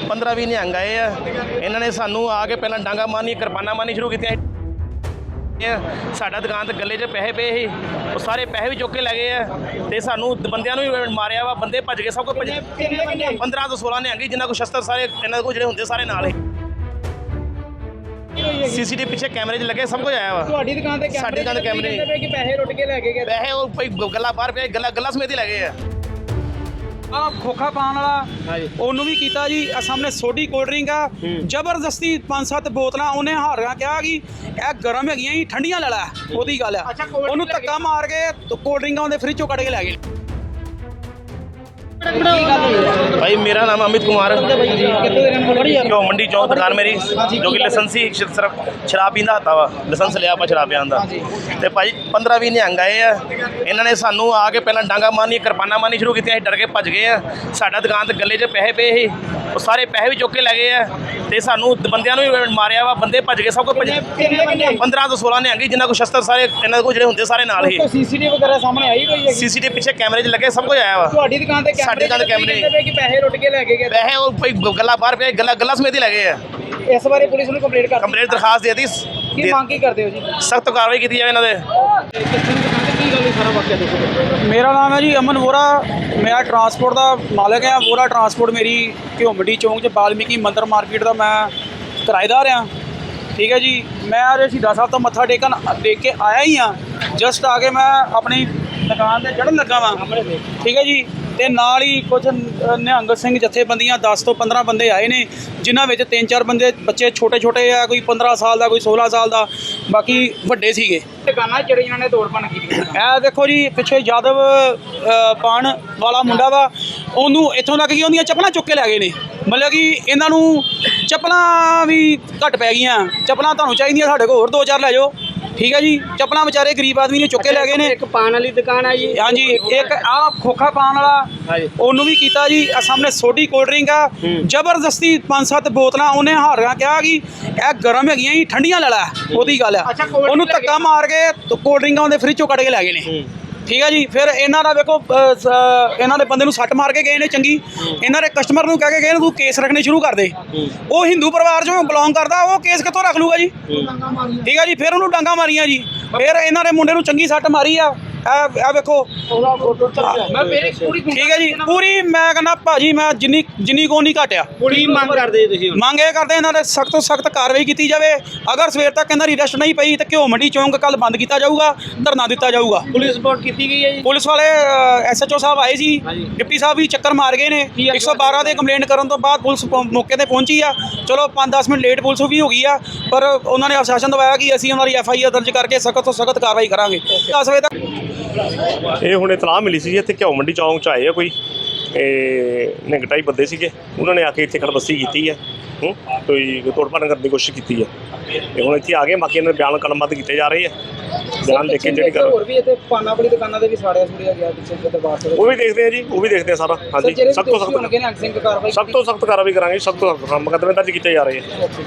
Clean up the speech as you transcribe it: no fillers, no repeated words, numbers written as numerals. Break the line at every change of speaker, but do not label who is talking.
15-20 ਨਿਹੰਗ ਆਏ ਆ। ਇਹਨਾਂ ਨੇ ਸਾਨੂੰ ਆ ਕੇ ਪਹਿਲਾਂ ਡਾਂਗਾ ਮਾਰਨੀ, ਕਿਰਪਾਨਾਂ ਮਾਰਨੀ ਸ਼ੁਰੂ ਕੀਤੀਆਂ। ਸਾਡਾ ਦੁਕਾਨ ਤੇ ਗੱਲੇ 'ਚ ਪੈਸੇ ਪਏ ਸੀ, ਉਹ ਸਾਰੇ ਪੈਸੇ ਵੀ ਚੁੱਕ ਕੇ ਲੈ ਗਏ ਆ ਤੇ ਸਾਨੂੰ ਬੰਦਿਆਂ ਨੂੰ ਵੀ ਮਾਰਿਆ ਵਾ। ਬੰਦੇ ਭੱਜ ਗਏ, ਸਭ ਕੁਝ 15 ਤੋਂ 16 ਨਿਹੰਗ ਜਿਨ੍ਹਾਂ ਕੋਲ ਸ਼ਸਤਰ ਸਾਰੇ ਇਹਨਾਂ ਕੋਲ ਜਿਹੜੇ ਹੁੰਦੇ ਸਾਰੇ ਨਾਲ ਹੀ। ਸੀਸੀਟੀਵੀ ਪਿੱਛੇ ਕੈਮਰੇ 'ਚ ਲੱਗੇ, ਸਭ ਕੁਝ ਆਇਆ ਵਾ।
ਤੁਹਾਡੀ ਦੁਕਾਨ ਤੇ
ਸਾਡੀ ਦੁਕਾਨ ਤੇ ਕੈਮਰੇ
ਕਿ ਪੈਸੇ ਲੁੱਟ ਕੇ ਲੈ ਕੇ ਗਏ।
ਪੈਸੇ ਉਹ ਕੋਈ ਗੱਲਾਂ ਬਾਹਰ ਪਿਆ, ਗੱਲਾਂ ਸਮੇਤ ਹੀ ਲੈ ਗਏ ਆ।
ਆ ਖੋਖਾ ਪਾਣ ਵਾਲਾ ਉਹਨੂੰ ਵੀ ਕੀਤਾ ਜੀ। ਆ ਸਾਹਮਣੇ ਸੋਡੀ ਕੋਲਡ ਡਰਿੰਕ ਆ, ਜ਼ਬਰਦਸਤੀ 5-7 ਬੋਤਲਾਂ ਉਹਨੇ ਹਾਰਿਆ ਕਿਹਾ ਕਿ ਇਹ ਗਰਮ ਹੈਗੀਆਂ ਜੀ, ਠੰਡੀਆਂ ਲੈ ਲੈ, ਉਹਦੀ ਗੱਲ ਆ। ਉਹਨੂੰ ਧੱਕਾ ਮਾਰ ਕੇ ਕੋਲਡ ਡਰਿੰਕਾਂ ਉਹਦੇ ਫ੍ਰਿਜ ਚੋਂ ਕੱਢ ਕੇ ਲੈ ਗਏ।
भाई मेरा नाम अमित कुमार, क्यों मंडी चौक दुकान मेरी जो कि लाइसेंसी सिर्फ शराब पींदा था वा, लाइसेंस लिया ਆਪਾਂ ਸ਼ਰਾਬ ਪੀਣ ਦਾ। ਤੇ ਭਾਈ 15-20 ਨਿਹੰਗ ਆਏ ਆ। ਇਹਨਾਂ ਨੇ ਸਾਨੂੰ ਆ ਕੇ ਪਹਿਲਾਂ ਡਾਂਗਾ ਮਾਰਨੀ, ਕਿਰਪਾਨਾਂ ਮਾਰਨੀ ਸ਼ੁਰੂ ਕੀਤੀਆਂ। ਅਸੀਂ ਡਰ ਕੇ ਭੱਜ ਗਏ ਆ। ਸਾਡਾ ਦੁਕਾਨ ਤੇ ਗੱਲੇ 'ਚ ਪੈਸੇ ਪਏ ਸੀ, ਉਹ ਸਾਰੇ ਪੈਸੇ ਵੀ ਚੁੱਕ ਕੇ ਲੈ ਗਏ ਆ ਤੇ ਸਾਨੂੰ ਬੰਦਿਆਂ ਨੂੰ ਵੀ ਮਾਰਿਆ ਵਾ। ਬੰਦੇ ਭੱਜ ਗਏ, ਸਭ ਕੁਝ 15 ਤੋਂ 16 ਨਿਹੰਗ ਜਿਨ੍ਹਾਂ ਕੋਲ ਸ਼ਸਤਰ ਸਾਰੇ ਇਹਨਾਂ ਕੋਲ ਜਿਹੜੇ ਹੁੰਦੇ ਸਾਰੇ ਨਾਲ ਹੀ।
ਸੀਸੀਟੀਵੀ ਵਗੈਰਾ ਸਾਹਮਣੇ ਆਈ ਕੋਈ ਹੈ?
ਸੀਸੀਟੀਵੀ ਪਿੱਛੇ ਕੈਮਰੇ 'ਚ ਲੱਗੇ, ਸਭ ਕੁਝ ਆਇਆ ਵਾ।
ਤੁਹਾਡੀ ਦੁਕਾਨ ਤੇ
ਸਾਡੀ ਦੁਕਾਨ ਤੇ ਕੈਮਰੇ
ਕਿ ਪੈਸੇ ਲੁੱਟ ਕੇ ਲੈ ਕੇ ਗਏ।
ਪੈਸੇ ਉਹ ਕੋਈ ਗੱਲਾਂ ਬਾਹਰ ਪਿਆ, ਗੱਲਾਂ ਸਮੇਤ ਹੀ ਲੈ ਗਏ ਆ।
ਇਸ ਬਾਰੇ ਪੁਲਿਸ ਨੂੰ ਕੰਪਲੇਂਟ ਕਰ
ਕੰਪਲੇਂਟ ਦਰਖਾਸਤ ਦੇ ਦਿੱਤੀ।
ਕੀ ਮੰਗ ਕੀ ਕਰਦੇ ਹੋ ਜੀ?
ਸਖਤ ਕਾਰਵਾਈ ਕੀਤੀ ਜਾਵੇ ਇਹਨਾਂ ਦੇ।
ਕੀ ਗੱਲ ਸਾਰਾ ਵਾਕਿਆ ਦੱਸੋ। ਮੇਰਾ ਨਾਮ ਹੈ ਜੀ ਅਮਨ ਵੋਰਾ, ਮੈਂ ਟਰਾਂਸਪੋਰਟ ਦਾ ਮਾਲਕ ਹਾਂ। ਵੋਰਾ ਟਰਾਂਸਪੋਰਟ ਮੇਰੀ ਘਿਓ ਮੰਡੀ ਚੌਂਕ 'ਚ ਬਾਲਮੀਕੀ ਮੰਦਰ ਮਾਰਕੀਟ ਦਾ ਮੈਂ ਕਿਰਾਏਦਾਰ ਹਾਂ। ਠੀਕ ਹੈ ਜੀ। ਮੈਂ ਅੱਜ ਸ਼ਹੀਦਾਂ ਸਾਹਿਬ ਤੋਂ ਮੱਥਾ ਦੇਖ ਕੇ ਆਇਆ ਹੀ ਹਾਂ। ਜਸਟ ਆ ਕੇ ਮੈਂ ਆਪਣੀ ਦੁਕਾਨ ਤੇ ਚੜ੍ਹਨ ਲੱਗਾ ਵਾਂ। ਠੀਕ ਹੈ ਜੀ। ਤੇ ਨਾਲ ਹੀ ਕੁਝ ਨਿਹੰਗ ਸਿੰਘ ਜਥੇਬੰਦੀਆਂ 10 ਤੋਂ 15 ਬੰਦੇ ਆਏ ਨੇ, ਜਿਨ੍ਹਾਂ ਵਿੱਚ 3-4 ਬੰਦੇ ਬੱਚੇ ਛੋਟੇ ਆ, ਕੋਈ 15 ਸਾਲ ਦਾ, ਕੋਈ 16 ਸਾਲ ਦਾ, ਬਾਕੀ ਵੱਡੇ ਸੀਗੇ। ਦੁਕਾਨਾਂ ਜਿਹੜੇ ਇਹਨਾਂ ਨੇ ਤੋੜ ਭੰਨ ਕੀਤੀ। ਇਹ ਦੇਖੋ ਜੀ, ਪਿੱਛੇ ਯਾਦਵ ਪਾਣ ਵਾਲਾ ਮੁੰਡਾ ਵਾ, ਉਹਨੂੰ ਇੱਥੋਂ ਤੱਕ ਕਿ ਉਹਦੀਆਂ ਚੱਪਲਾਂ ਚੁੱਕ ਕੇ ਲੈ ਗਏ ਨੇ। ਮਤਲਬ ਕਿ ਇਹਨਾਂ ਨੂੰ ਚੱਪਲਾਂ ਵੀ ਘੱਟ ਪੈ ਗਈਆਂ। ਚੱਪਲਾਂ ਤੁਹਾਨੂੰ ਚਾਹੀਦੀਆਂ, ਸਾਡੇ ਕੋਲ ਹੋਰ 2-4 ਲੈ ਜਾਓ। ਠੀਕ ਹੈ ਜੀ। ਚੱਪਲਾਂ ਵਿਚਾਰੇ ਗਰੀਬ ਆਦਮੀ ਨੇ ਚੁੱਕ ਕੇ ਲੈ ਗਏ ਨੇ।
ਇੱਕ ਪਾਨ ਵਾਲੀ ਦੁਕਾਨ ਆ ਜੀ।
ਹਾਂਜੀ, ਇੱਕ ਆ ਖੋਖਾ ਪਾਣ ਵਾਲਾ ਉਹਨੂੰ ਵੀ ਕੀਤਾ ਜੀ। ਆ ਸਾਹਮਣੇ ਸੋਡੀ ਕੋਲਡ ਡਰਿੰਕ ਆ, ਜ਼ਬਰਦਸਤੀ 5-7 ਬੋਤਲਾਂ ਉਹਨੇ ਹਾਰਿਆ ਕਿਹਾ ਕਿ ਇਹ ਗਰਮ ਹੈਗੀਆਂ ਜੀ, ਠੰਡੀਆਂ ਲੈ ਲੈ, ਉਹਦੀ ਗੱਲ ਆ। ਉਹਨੂੰ ਧੱਕਾ ਮਾਰ ਕੇ ਕੋਲਡ ਡਰਿੰਕਾਂ ਉਹਦੇ ਫ੍ਰਿਜ ਚੋਂ ਕੱਢ ਕੇ ਲੈ ਗਏ ਨੇ। ਠੀਕ ਹੈ ਜੀ। ਫਿਰ ਇਹਨਾਂ ਦਾ ਵੇਖੋ, ਇਹਨਾਂ ਦੇ ਬੰਦੇ ਨੂੰ ਸੱਟ ਮਾਰ ਕੇ ਗਏ ਨੇ ਚੰਗੀ। ਇਹਨਾਂ ਦੇ ਕਸਟਮਰ ਨੂੰ ਕਹਿ ਕੇ ਗਏ ਨੇ ਤੂੰ ਕੇਸ ਰੱਖਣੇ ਸ਼ੁਰੂ ਕਰ ਦੇ। ਉਹ ਹਿੰਦੂ ਪਰਿਵਾਰ 'ਚੋਂ ਬਿਲੋਂਗ ਕਰਦਾ, ਉਹ ਕੇਸ ਕਿੱਥੋਂ ਰੱਖ ਲੂਗਾ ਜੀ? ਠੀਕ ਹੈ ਜੀ। ਫਿਰ ਉਹਨੂੰ ਡਾਂਗਾ ਮਾਰੀਆਂ ਜੀ। ਫਿਰ ਇਹਨਾਂ ਦੇ ਮੁੰਡੇ ਨੂੰ ਚੰਗੀ ਸੱਟ ਮਾਰੀ ਆ। ਇਹ ਵੇਖੋ। ਠੀਕ ਹੈ ਜੀ। ਪੂਰੀ ਮੈਂ ਕਹਿੰਦਾ ਭਾਜੀ, ਮੈਂ ਜਿੰਨੀ ਕੋ ਨਹੀਂ ਘਟਿਆ।
ਕੀ ਮੰਗ ਕਰਦੇ ਤੁਸੀਂ?
ਮੰਗ ਇਹ ਕਰਦੇ ਇਹਨਾਂ ਦੇ ਸਖਤ ਤੋਂ ਸਖਤ ਕਾਰਵਾਈ ਕੀਤੀ ਜਾਵੇ। ਅਗਰ ਸਵੇਰ ਤੱਕ ਇਹਨਾਂ ਦੀ ਅਰੈਸਟ ਨਹੀਂ ਪਈ ਤਾਂ ਘਿਓ ਮੰਡੀ ਚੌਂਕ ਕੱਲ ਬੰਦ ਕੀਤਾ ਜਾਊਗਾ, ਧਰਨਾ ਦਿੱਤਾ ਜਾਊਗਾ।
ਪੁਲਿਸ ਰਿਪੋਰਟ ਕੀਤੀ ਗਈ ਹੈ ਜੀ?
ਪੁਲਿਸ ਵਾਲੇ SHO ਸਾਹਿਬ ਆਏ ਸੀ, ਡਿਪਟੀ ਸਾਹਿਬ ਵੀ ਚੱਕਰ ਮਾਰ ਗਏ ਨੇ। 112 ਦੇ ਕੰਪਲੇਂਟ ਕਰਨ ਤੋਂ ਬਾਅਦ ਪੁਲਿਸ ਮੌਕੇ ਤੇ ਪਹੁੰਚੀ ਆ। ਚਲੋ 5-10 ਮਿੰਟ ਲੇਟ ਪੁਲਿਸ ਵੀ ਹੋ ਗਈ ਆ, ਪਰ ਉਹਨਾਂ ਨੇ ਆਸ਼ਵਾਸਨ ਦਵਾਇਆ ਕਿ ਅਸੀਂ ਉਹਨਾਂ ਦੀ FIR ਦਰਜ ਕਰਕੇ ਸਖਤ ਤੋਂ ਸਖਤ ਕਾਰਵਾਈ ਕਰਾਂਗੇ। 10 ਵਜੇ ਤੱਕ
ਇਹ ਹੁਣ ਇਤਲਾਹ ਮਿਲੀ ਸੀ ਜੀ, ਇੱਥੇ ਘਿਓ ਮੰਡੀ ਚੌਂਕ 'ਚ ਆਏ ਆ ਕੋਈ ਨਿੰਗਟਾਈ ਬੰਦੇ ਸੀਗੇ। ਉਹਨਾਂ ਨੇ ਆ ਕੇ ਇੱਥੇ ਖੜਬਸੀ ਕੀਤੀ ਹੈ, ਕੋਈ ਤੋੜ ਭੰਨ ਕਰਨ ਦੀ ਕੋਸ਼ਿਸ਼ ਕੀਤੀ ਹੈ। ਤੇ ਹੁਣ ਇੱਥੇ ਆ ਗਏ, ਬਾਕੀ ਇਹਨਾਂ ਦੇ ਬਿਆਨ ਕਲਮਬੱਧ ਕੀਤੇ ਜਾ ਰਹੇ ਆ। ਬਿਆਨ ਲਿਖ ਕੇ ਜਿਹੜੀ ਗੱਲ
ਹੋਰ ਵੀ ਇੱਥੇ ਪਾਨਾ ਵਾਲੀ ਦੁਕਾਨਾਂ ਦੇ ਵੀ ਸਾੜਿਆ ਗਿਆ ਪਿੱਛੇ ਦਰਬਾਰ ਸਾਹਿਬ।
ਉਹ ਵੀ ਦੇਖਦੇ ਆ ਜੀ, ਉਹ ਵੀ ਦੇਖਦੇ ਆ ਸਾਰਾ। ਹਾਂਜੀ, ਸਖਤ ਤੋਂ ਸਖਤ ਕਾਰਵਾਈ ਕਰਾਂਗੇ, ਸਖਤ ਤੋਂ ਸਖਤ ਮੁਕੱਦਮੇ ਦਰਜ ਕੀਤੇ ਜਾ ਰਹੇ ਆ।